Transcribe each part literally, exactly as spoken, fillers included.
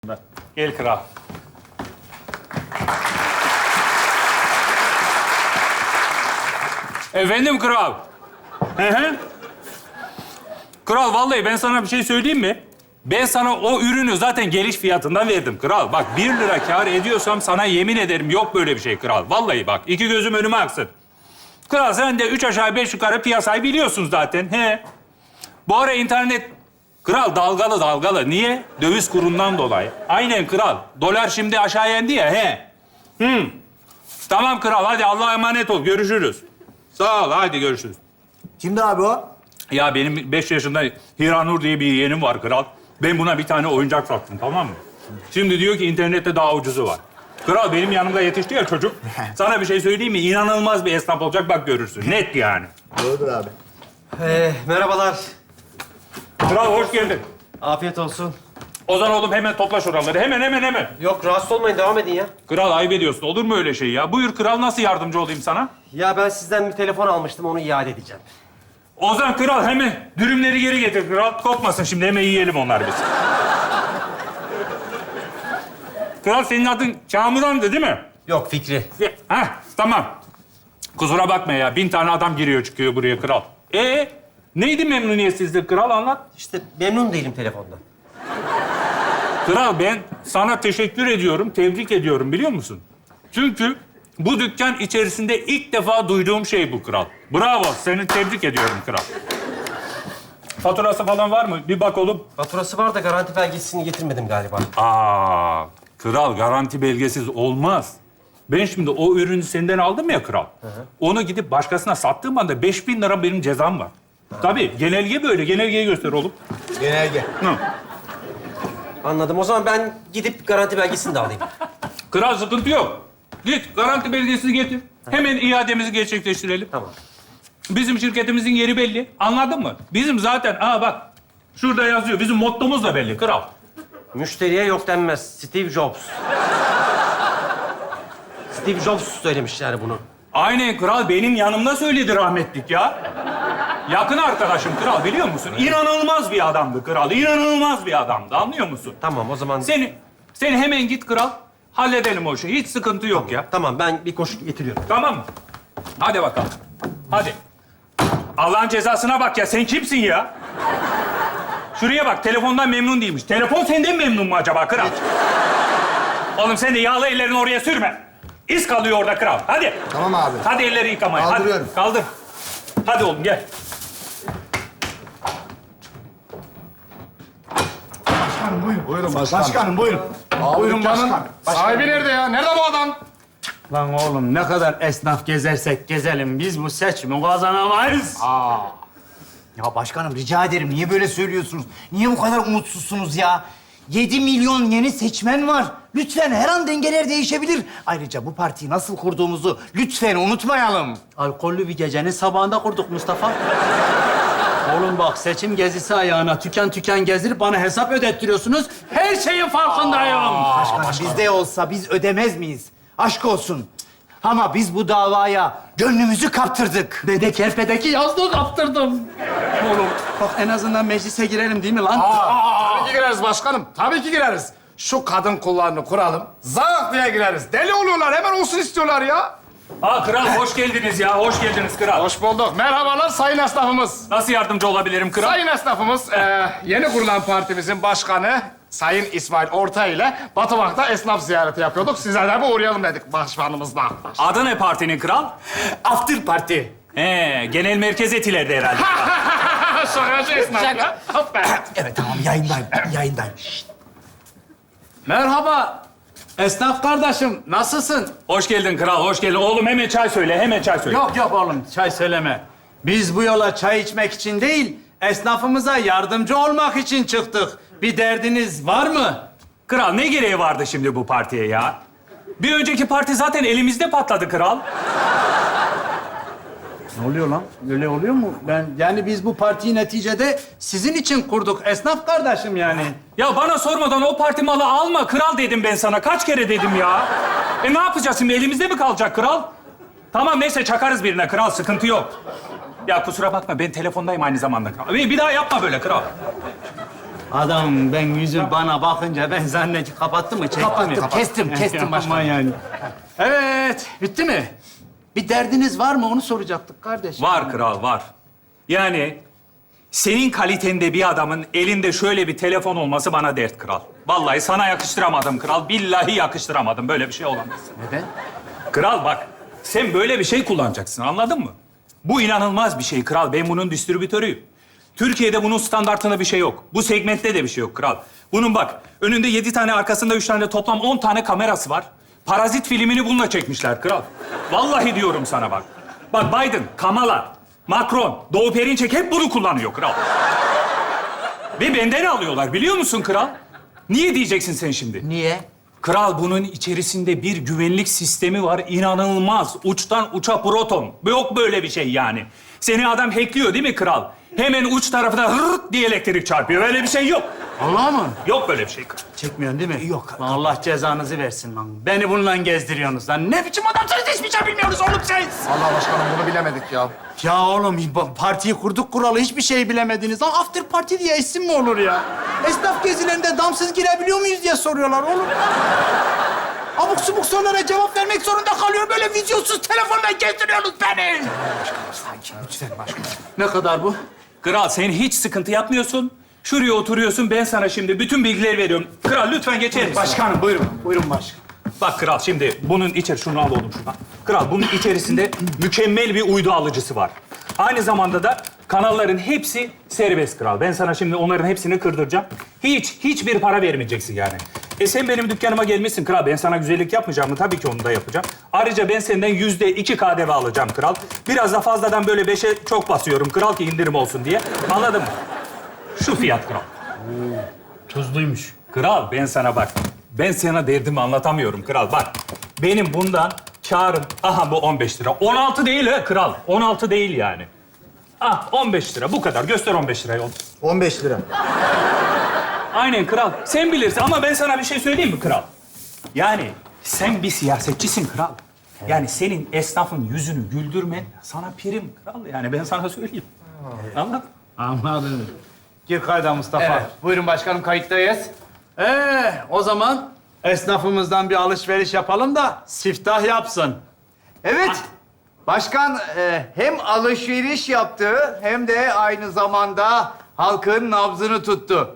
Gel kral. Efendim kral. Hı hı. Kral vallahi ben sana bir şey söyleyeyim mi? Ben sana o ürünü zaten geliş fiyatından verdim kral. Bak bir lira kâr ediyorsam sana yemin ederim yok böyle bir şey kral. Vallahi bak iki gözüm önüme aksın. Kral sen de üç aşağı beş yukarı piyasayı biliyorsun zaten. He. Bu ara internet kral dalgalı dalgalı. Niye? Döviz kurundan dolayı. Aynen kral. Dolar şimdi aşağı indi ya. He. Hı. Tamam kral hadi Allah'a emanet ol. Görüşürüz. Sağ ol hadi görüşürüz. Kimdi abi o? Ya benim beş yaşında Hiranur diye bir yeğenim var kral. Ben buna bir tane oyuncak sattım tamam mı? Şimdi diyor ki internette daha ucuzu var. Kral benim yanımda yetişti ya çocuk. Sana bir şey söyleyeyim mi? İnanılmaz bir esnaf olacak bak görürsün. Net yani. Doğrudur abi. Ee, merhabalar. Kral hoş geldin. Afiyet olsun. Ozan oğlum hemen topla şuraları. Hemen hemen hemen. Yok, rahatsız olmayın. Devam edin ya. Kral ayıp ediyorsun. Olur mu öyle şey ya? Buyur kral nasıl yardımcı olayım sana? Ya ben sizden bir telefon almıştım. Onu iade edeceğim. Ozan kral hemen dürümleri geri getir kral. Kopmasın şimdi hemen yiyelim onları biz. Kral senin adın Kamuran'dı değil mi? Yok, Fikri. Heh tamam. Kusura bakma ya. Bin tane adam giriyor çıkıyor buraya kral. Ee neydi memnuniyetsizlik kral anlat. İşte memnun değilim telefondan. Kral ben sana teşekkür ediyorum, tebrik ediyorum biliyor musun? Çünkü bu dükkan içerisinde ilk defa duyduğum şey bu kral. Bravo, seni tebrik ediyorum kral. Faturası falan var mı? Bir bak oğlum. Faturası var da garanti belgesini getirmedim galiba. Aa, kral garanti belgesiz olmaz. Ben şimdi o ürünü senden aldım ya kral. Hı hı. Onu gidip başkasına sattığım anda beş bin lira benim cezam var. Ha. Tabii genelge böyle. Genelgeyi göster oğlum. Genelge. Hı. Anladım. O zaman ben gidip garanti belgesini de alayım. Kral sıkıntı yok. Git garanti belgesini getir. Hemen iademizi gerçekleştirelim. Tamam. Bizim şirketimizin yeri belli. Anladın mı? Bizim zaten, aa bak. Şurada yazıyor. Bizim mottomuz da belli kral. Müşteriye yok denmez. Steve Jobs. Steve Jobs söylemiş yani bunu. Aynen kral. Benim yanımda söyledi rahmetlik ya. Yakın arkadaşım kral biliyor musun? İnanılmaz bir adamdı kral. İnanılmaz bir adamdı. Anlıyor musun? Tamam, o zaman... Seni, seni hemen git kral. Halledelim o işi. Hiç sıkıntı yok ya. Tamam, ben bir koşu getiriyorum. Tamam mı? Hadi bakalım. Hadi. Allah'ın cezasına bak ya. Sen kimsin ya? Şuraya bak. Telefondan memnun değilmiş. Telefon senden memnun mu acaba kral? Oğlum sen de yağlı ellerini oraya sürme. İz kalıyor orada kral. Hadi. Tamam abi. Hadi elleri yıkamaya. Kaldırıyorum. Hadi. Kaldır. Hadi oğlum gel. Başkanım buyurun. Buyurun başkanım. Başkanım buyurun. Buyurun Başkan. bana. Sahibi nerede ya? Nerede bu adam? Lan oğlum ne kadar esnaf gezersek gezelim biz bu seçimi kazanamayız. Aa. Ya başkanım rica ederim niye böyle söylüyorsunuz? Niye bu kadar umutsuzsunuz ya? Yedi milyon yeni seçmen var. Lütfen her an dengeler değişebilir. Ayrıca bu partiyi nasıl kurduğumuzu lütfen unutmayalım. Alkollü bir gecenin sabahında kurduk Mustafa. Oğlum bak seçim gezisi ayağına tüken tüken gezdirip bana hesap ödettiriyorsunuz. Her şeyin farkındayım. Başkanım bizde olsa biz ödemez miyiz? Aşk olsun. Ama biz bu davaya gönlümüzü kaptırdık. Ben de kerpedeki yazlığı kaptırdım. Oğlum bak en azından meclise girelim değil mi lan? Tabii ki gireriz başkanım. Tabii ki gireriz. Şu kadın kullarını kuralım. Zak diye gireriz. Deli oluyorlar. Hemen olsun istiyorlar ya. Aa kral hoş geldiniz ya. Hoş geldiniz kral. Hoş bulduk. Merhabalar sayın esnafımız. Nasıl yardımcı olabilirim kral? Sayın esnafımız, e, yeni kurulan partimizin başkanı Sayın İsmail Orta ile Batımak'ta esnaf ziyareti yapıyorduk. Size de bir uğrayalım dedik başkanımızla. Adı ne partinin kral? After party. He, genel merkez etilerde herhalde. Şakacı esnaf ya. Hop be. Evet tamam yayındayım. Yayındayım. Şşt. Merhaba. Esnaf kardeşim nasılsın? Hoş geldin kral, hoş geldin. Oğlum hemen çay söyle, hemen çay söyle. Yok yok oğlum çay söyleme. Biz bu yola çay içmek için değil, esnafımıza yardımcı olmak için çıktık. Bir derdiniz var mı? Kral ne gereği vardı şimdi bu partiye ya? Bir önceki parti zaten elimizde patladı kral. Ne oluyor lan? Öyle oluyor mu? Ben yani biz bu partiyi neticede sizin için kurduk. Esnaf kardeşim yani. Ya bana sormadan o parti malı alma kral dedim ben sana. Kaç kere dedim ya? E ne yapacağız şimdi? Elimizde mi kalacak kral? Tamam neyse çakarız birine kral, sıkıntı yok. Ya kusura bakma ben telefondayım aynı zamanda kral. Bir bir daha yapma böyle kral. Adam ben yüzüm bana bakınca ben zannettim kapattı mı? Çekti Kapattım, mi? kestim, kestim Yapma başkanım. yani. Evet, bitti mi? Bir derdiniz var mı? Onu soracaktık kardeş. Var kral, var. Yani senin kalitende bir adamın elinde şöyle bir telefon olması bana dert kral. Vallahi sana yakıştıramadım kral. Billahi yakıştıramadım. Böyle bir şey olamaz. Neden? Kral bak, sen böyle bir şey kullanacaksın, anladın mı? Bu inanılmaz bir şey kral. Ben bunun distribütörüyüm. Türkiye'de bunun standartında bir şey yok. Bu segmentte de bir şey yok kral. Bunun bak, önünde yedi tane, arkasında üç tane, toplam on tane kamerası var. Parazit filmini bununla çekmişler kral. Vallahi diyorum sana bak. Bak Biden, Kamala, Macron, Doğu Perinçek hep bunu kullanıyor kral. Ve benden alıyorlar, biliyor musun kral? Niye diyeceksin sen şimdi? Niye? Kral, bunun içerisinde bir güvenlik sistemi var. İnanılmaz. Uçtan uça proton. Yok böyle bir şey yani. Seni adam hackliyor değil mi kral? Hemen uç tarafına hırt diye elektrik çarpıyor. Öyle bir şey yok. Allah mı? Yok böyle bir şey kral. Çekmiyorsun değil mi? Yok. Lan Allah cezanızı versin lan. Beni bununla gezdiriyorsunuz lan. Ne biçim adamsınız, hiçbir şey bilmiyorsunuz oğlum siz. Allah başkanım bunu bilemedik ya. Ya oğlum ba- partiyi kurduk kuralı hiçbir şey bilemediniz. Lan after party diye isim mi olur ya? Esnaf gezilerinde damsız girebiliyor muyuz diye soruyorlar oğlum. Abuk subuk sorulara cevap vermek zorunda kalıyor. Böyle vizyonsuz telefonla gezdiriyorsunuz beni. Lütfen başkanım. Ne kadar bu? Kral, sen hiç sıkıntı yapmıyorsun. Şuraya oturuyorsun. Ben sana şimdi bütün bilgileri veriyorum. Kral lütfen geçer misin? Başkanım buyurun. Buyurun başkanım. Bak kral, şimdi bunun içeri... Şunu al oğlum şuradan. Kral, bunun içerisinde mükemmel bir uydu alıcısı var. Aynı zamanda da kanalların hepsi serbest kral. Ben sana şimdi onların hepsini kırdıracağım. Hiç, hiçbir para vermeyeceksin yani. E sen benim dükkanıma gelmişsin kral. Ben sana güzellik yapmayacağım mı? Tabii ki onu da yapacağım. Ayrıca ben senden yüzde iki K D V alacağım kral. Biraz da fazladan böyle beşe çok basıyorum kral ki indirim olsun diye. Anladın mı? Şu fiyat kral. Tuzluymuş. Kral, ben sana bak. Ben sana derdimi anlatamıyorum kral. Bak, benim bundan kârım... Aha bu on beş lira. on altı değil ha kral. on altı değil yani. Ah on beş lira. Bu kadar. Göster on beş lirayı. on beş lira. Aynen kral. Sen bilirsin ama ben sana bir şey söyleyeyim mi kral? Yani sen bir siyasetçisin kral. Yani senin esnafın yüzünü güldürmen sana prim kral. Yani ben sana söyleyeyim. Anladın? Anladım. Gir kayda Mustafa. Evet. Buyurun başkanım kayıttayız. Ee, o zaman esnafımızdan bir alışveriş yapalım da siftah yapsın. Evet. Başkan e, hem alışveriş yaptı hem de aynı zamanda halkın nabzını tuttu.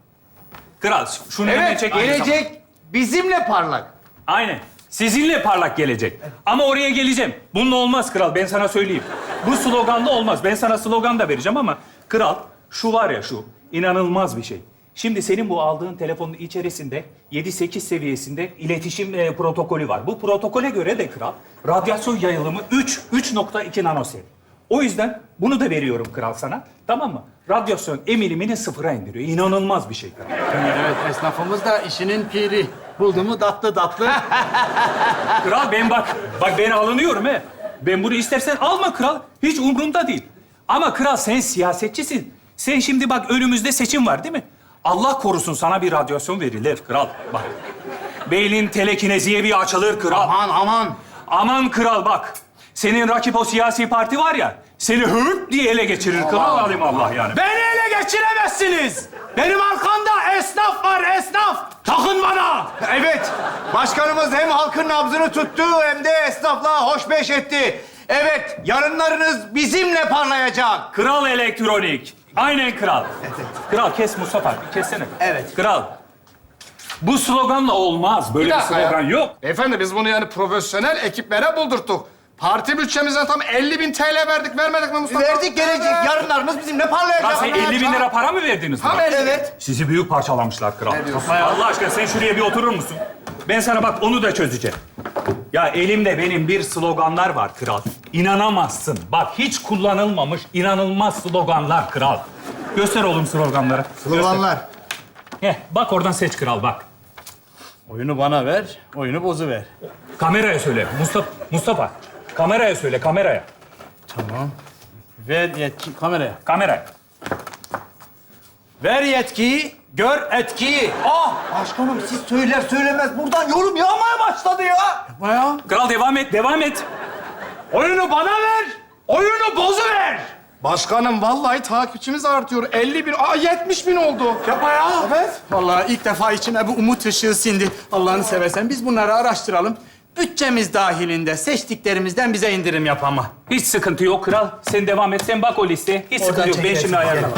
Kral şunu hemen Evet, çek. aynı zamanda. gelecek bizimle parlak. Aynen. Sizinle parlak gelecek. Ama oraya geleceğim. Bununla olmaz kral, ben sana söyleyeyim. Bu sloganla olmaz. Ben sana slogan da vereceğim ama kral, şu var ya şu, inanılmaz bir şey. Şimdi senin bu aldığın telefonun içerisinde yedi sekiz seviyesinde iletişim e, protokolü var. Bu protokole göre de kral, radyasyon yayılımı üç, üç nokta iki nanoseviyede. O yüzden bunu da veriyorum kral sana. Tamam mı? Radyasyon emilimini sıfıra indiriyor. İnanılmaz bir şey kral. Evet, esnafımız da işinin piri. Buldu mu tatlı tatlı. Kral ben bak, bak ben alınıyorum he. Ben bunu istersen alma kral. Hiç umurumda değil. Ama kral sen siyasetçisin. Sen şimdi bak önümüzde seçim var değil mi? Allah korusun sana bir radyasyon verilir kral. Bak. Beynin telekineziye bir açılır kral. Aman aman. Aman kral bak. Senin rakip o siyasi parti var ya, seni hırt diye ele geçirir kral alim Allah yani. Beni ele geçiremezsiniz. Benim arkamda esnaf var, esnaf. Takın bana. Evet, başkanımız hem halkın nabzını tuttu hem de esnafla hoşbeş etti. Evet, yarınlarınız bizimle parlayacak. Kral elektronik. Aynen kral. Kral kes Mustafa, kessene. Evet. Kral. Bu sloganla olmaz. Böyle bir, dakika ya. slogan yok. Beyefendi biz bunu yani profesyonel ekiplere buldurttuk. Parti bütçemizden tam elli bin T L verdik. Vermedik mi Mustafa? Verdik gelecek, Evet. yarınlarınız bizimle parlayacak. Ya sen elli bin lira para mı verdiniz Tam buna? elli bin. Evet. Sizi büyük parçalamışlar kral. Ne diyorsun? Allah aşkına sen şuraya bir oturur musun? Ben sana bak onu da çözeceğim. Ya elimde benim bir sloganlar var kral. İnanamazsın. Bak hiç kullanılmamış inanılmaz sloganlar kral. Göster oğlum sloganları. Sloganlar. Göster. Heh, bak oradan seç kral bak. Oyunu bana ver, oyunu bozuver. Kameraya söyle. Mustafa, Mustafa. Kameraya söyle, kameraya. Tamam. Ver yetki kameraya. Kameraya. Ver yetkiyi, gör etkiyi. Ah başkanım siz söyler söylemez buradan yorum yağmaya başladı ya. Baya. Kral devam et, devam et. Oyunu bana ver, oyunu bozuver. Başkanım vallahi takipçimiz artıyor. elli bin, aa yetmiş bin oldu. Yapma ya. Evet. Vallahi ilk defa içime bir umut ışığı sindi. Allah'ını seversen biz bunları araştıralım. Bütçemiz dahilinde seçtiklerimizden bize indirim yap ama. Hiç sıkıntı yok kral. Sen devam et. Sen bak o listeye. Hiç sıkıntı yok. Ben şimdi ayarlamam.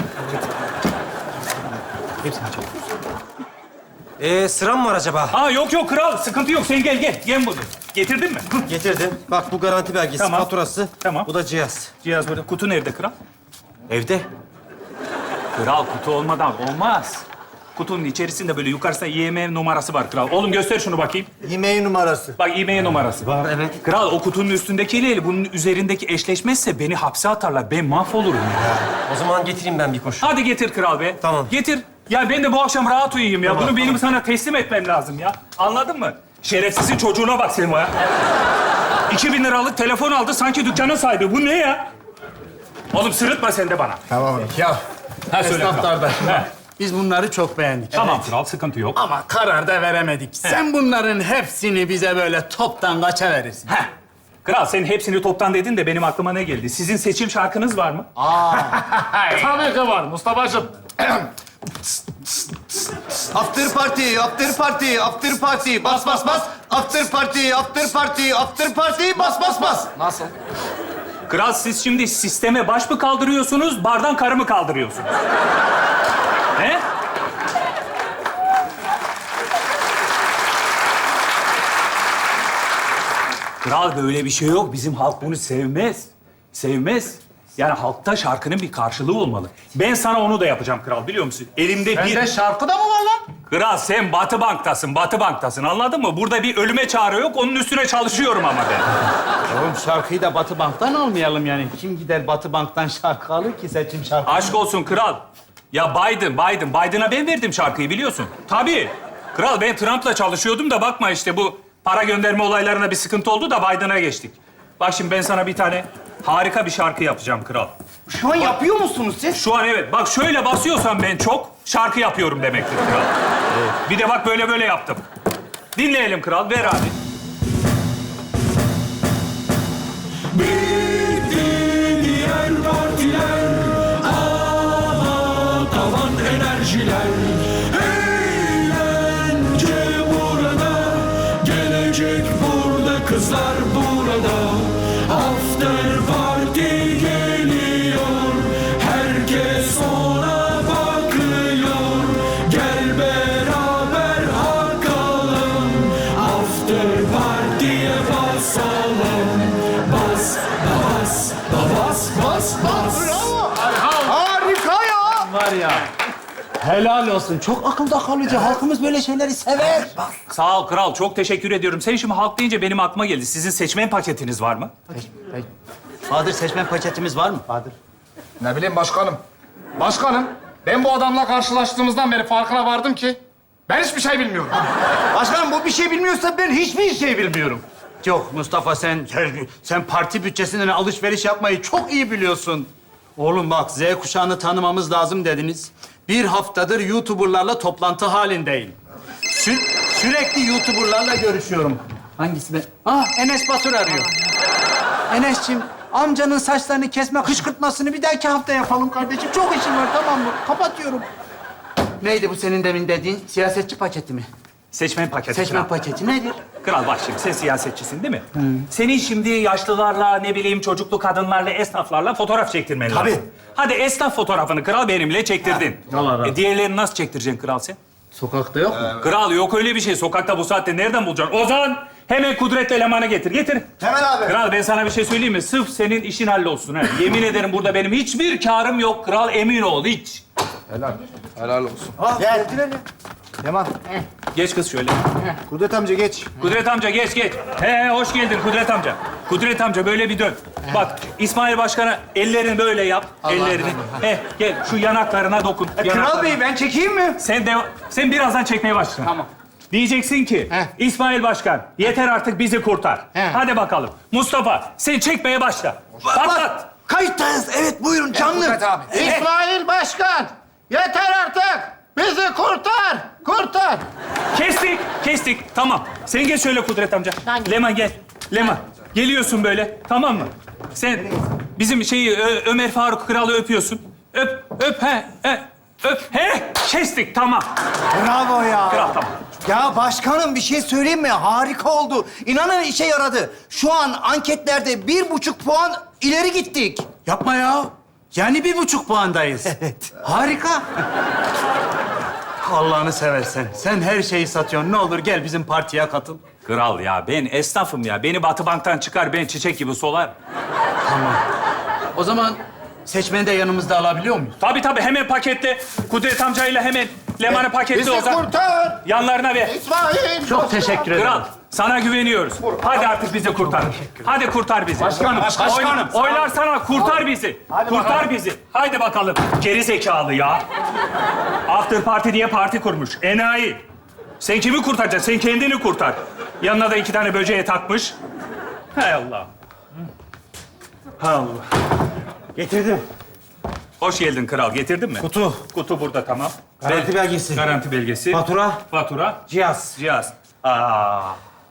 Ee, sıram mı var acaba? Ha yok yok kral. Sıkıntı yok. Sen gel gel. Gel bunu. Getirdin mi? Getirdim. Bak bu garanti belgesi, Tamam. faturası. Tamam. Bu da cihaz. Cihaz burada. Kutu nerede kral? Evde. Kral kutu olmadan olmaz. Kutunun içerisinde böyle yukarısında I M E I numarası var kral. Oğlum göster şunu bakayım. Yemeği numarası. Bak I M E I numarası. Var, evet. Kral o kutunun üstündekiyle bunun üzerindeki eşleşmezse beni hapse atarlar. Ben mahvolurum ya. O zaman getireyim ben bir koşu. Hadi getir kral be. Tamam. Getir. Ya ben de bu akşam rahat uyuyayım ya. Bunu benim sana teslim etmem lazım ya. Anladın mı? Şerefsizin çocuğuna bak Selma ya. İki bin liralık telefon aldı sanki dükkanın sahibi. Bu ne ya? Oğlum sırıtma sen de bana. Tamam. Ya Ha söyle kral. esnaflardan. Ha. Biz bunları çok beğendik. Tamam kral sıkıntı yok. Ama karar da veremedik. Sen bunların hepsini bize böyle toptan kaça verirsin? Heh. Kral sen hepsini toptan dedin de benim aklıma ne geldi? Sizin seçim şarkınız var mı? Tabii ki var Mustafa'cığım. After party, after party, after party. Bas bas bas. After party, after party, after party. Bas bas bas. Nasıl? Kral siz şimdi sisteme baş mı kaldırıyorsunuz, bardan karı mı kaldırıyorsunuz? He? Kral böyle bir şey yok. Bizim halk bunu sevmez. Sevmez. Yani halkta şarkının bir karşılığı olmalı. Ben sana onu da yapacağım kral biliyor musun? Elimde bir... Sende şarkı da mı var lan? Kral sen Batı Bank'tasın, Batı Bank'tasın anladın mı? Burada bir ölüme çağrı yok, onun üstüne çalışıyorum ama ben. Oğlum şarkıyı da Batı Bank'tan almayalım yani. Kim gider Batı Bank'tan şarkı alır ki seçim şarkı? Aşk olsun kral. Ya Biden, Biden. Biden'a ben verdim şarkıyı biliyorsun. Tabii. Kral ben Trump'la çalışıyordum da bakma işte bu para gönderme olaylarına bir sıkıntı oldu da Biden'a geçtik. Bak şimdi ben sana bir tane harika bir şarkı yapacağım kral. Şu an yapıyor musunuz siz? Şu an evet. Bak şöyle basıyorsam ben çok şarkı yapıyorum demektir kral. Bir de bak böyle böyle yaptım. Dinleyelim kral. Ver abi. Diğer partiler ama tavan enerjiler eğlence burada gelecek burada kızlar burada after party geliyor herkes ona bakıyor gel beraber hakalım after party'ye basalım bas bas bas bas bas Harika ya. Var ya. Helal olsun. Çok akılda kalıcı. Halkımız böyle şeyleri sever. Sağ ol kral. Çok teşekkür ediyorum. Sen şimdi halk deyince benim aklıma geldi. Sizin seçmen paketiniz var mı? Bahadır seçmen paketimiz var mı? Bahadır. Ne bileyim başkanım. Başkanım, ben bu adamla karşılaştığımızdan beri farkına vardım ki ben hiçbir şey bilmiyorum. Başkanım bu bir şey bilmiyorsa ben hiçbir şey bilmiyorum. Yok Mustafa sen, sen parti bütçesinden alışveriş yapmayı çok iyi biliyorsun. Oğlum bak Z kuşağını tanımamız lazım dediniz. Bir haftadır YouTuber'larla toplantı halindeyim. Sü- sürekli YouTuber'larla görüşüyorum. Hangisi be? Ah Enes Batur arıyor. Enes'ciğim amcanın saçlarını kesme kışkırtmasını bir dahaki hafta yapalım kardeşim. Çok işim var tamam mı? Kapatıyorum. Neydi bu senin demin dediğin? Siyasetçi paketi mi? Seçmen paketi. Seçmen kral. paketi nedir? Kral bak şimdi sen siyasetçisin değil mi? Senin şimdi yaşlılarla, ne bileyim çocuklu kadınlarla, esnaflarla fotoğraf çektirmen lazım. Tabii. Hadi esnaf fotoğrafını kral benimle çektirdin. Allah razı olsun. E, diğerlerini nasıl çektireceksin kral sen? Sokakta yok mu? Kral yok öyle bir şey. Sokakta bu saatte nereden bulacaksın? Ozan hemen Kudret elemanı getir. Getir. Hemen abi. Kral ben sana bir şey söyleyeyim mi? Sırf senin işin hallolsun. Ha. Yemin ederim burada benim hiçbir karım yok kral. Emin ol hiç. Helal olsun. Ah, geldiler ya. Yaman. Geç kız şöyle. Kudret amca geç. Kudret amca geç geç. He he hoş geldin Kudret amca. Kudret amca böyle bir dön. Bak İsmail Başkan'a ellerini böyle yap. ellerini. He gel şu yanaklarına dokun. E, Kral Yanaklarına. Bey ben çekeyim mi? Sen de sen birazdan çekmeye başla. Tamam. Diyeceksin ki İsmail Başkan yeter artık bizi kurtar. He. Hadi bakalım. Mustafa sen çekmeye başla. Patlat. Kayıttayız. Evet buyurun canlı. Kudret abi. İsmail Başkan, yeter artık. Bizi kurtar, kurtar. Kestik, kestik. Tamam. Sen geç şöyle Kudret amca. Leman gel. Leman. Geliyorsun böyle. Tamam mı? Sen Bizim şeyi Ö- Ömer Faruk Kral'ı öpüyorsun. Öp, öp, he, he, öp, he. Kestik, tamam. Bravo ya. Kral, tamam. Ya başkanım bir şey söyleyeyim mi? Harika oldu. İnanın işe yaradı. Şu an anketlerde bir buçuk puan ileri gittik. Yapma ya. Yani bir buçuk puandayız. Evet. Harika. Allah'ını seversen. Sen her şeyi satıyorsun. Ne olur gel bizim partiye katıl. Kral ya, ben esnafım ya. Beni Batı Bank'tan çıkar, ben çiçek gibi solar. O zaman seçmeni de yanımızda alabiliyor muyuz? Tabii tabii, hemen paketle. Kudret amcayla hemen Leman'ı paketle Bizi o zaman. kurtar. Yanlarına ver. İsmail. Çok teşekkür ederim. Kral, sana güveniyoruz. Hadi artık bizi kurtar. Hadi kurtar bizi. Başkanım, başkanım. Oy- oylar sana, kurtar bizi. Kurtar bizi. Haydi bakalım. Geri zekalı ya. After Party diye parti kurmuş. Enayi. Sen kimi kurtaracaksın? Sen kendini kurtar. Yanına da iki tane böceğe takmış. Hay Allah. Allah. Getirdim. Hoş geldin kral. Getirdin mi? Kutu. Kutu burada, tamam. Garanti Ver. belgesi. Garanti belgesi. Fatura. Fatura. Cihaz. Cihaz. Aa.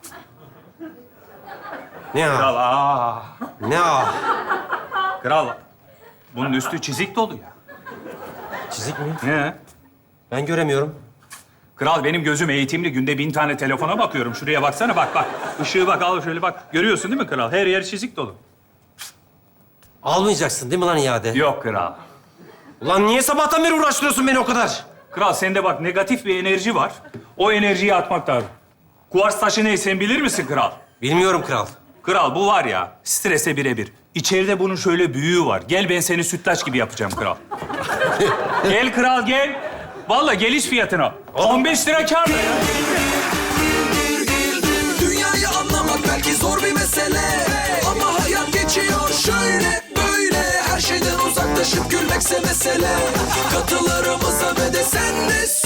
Ne Kral, o? aa. Ne o? Kral, bunun üstü çizik dolu ya. Çizik mi? Ne? Ben göremiyorum. Kral, benim gözüm eğitimli. Günde bin tane telefona bakıyorum. Şuraya baksana, bak bak. Işığı bak, al şöyle bak. Görüyorsun değil mi kral? Her yer çizik dolu. Almayacaksın değil mi lan iade? Yok kral. Ulan niye sabahtan beri uğraştırıyorsun beni o kadar? Kral, sende bak negatif bir enerji var. O enerjiyi atmak lazım. Kuvars taşı ne, sen bilir misin kral? Bilmiyorum kral. Kral, bu var ya, strese birebir. İçeride bunun şöyle büyüğü var. Gel, ben seni sütlaç gibi yapacağım kral. Gel kral, gel. Vallahi geliş fiyatına. on beş lira kâr. Dünyayı anlamak belki zor bir mesele, ama hayat geçiyor şöyle böyle. Her şeyden uzaklaşıp gülmekse mesele. Katılarımıza ve de sen de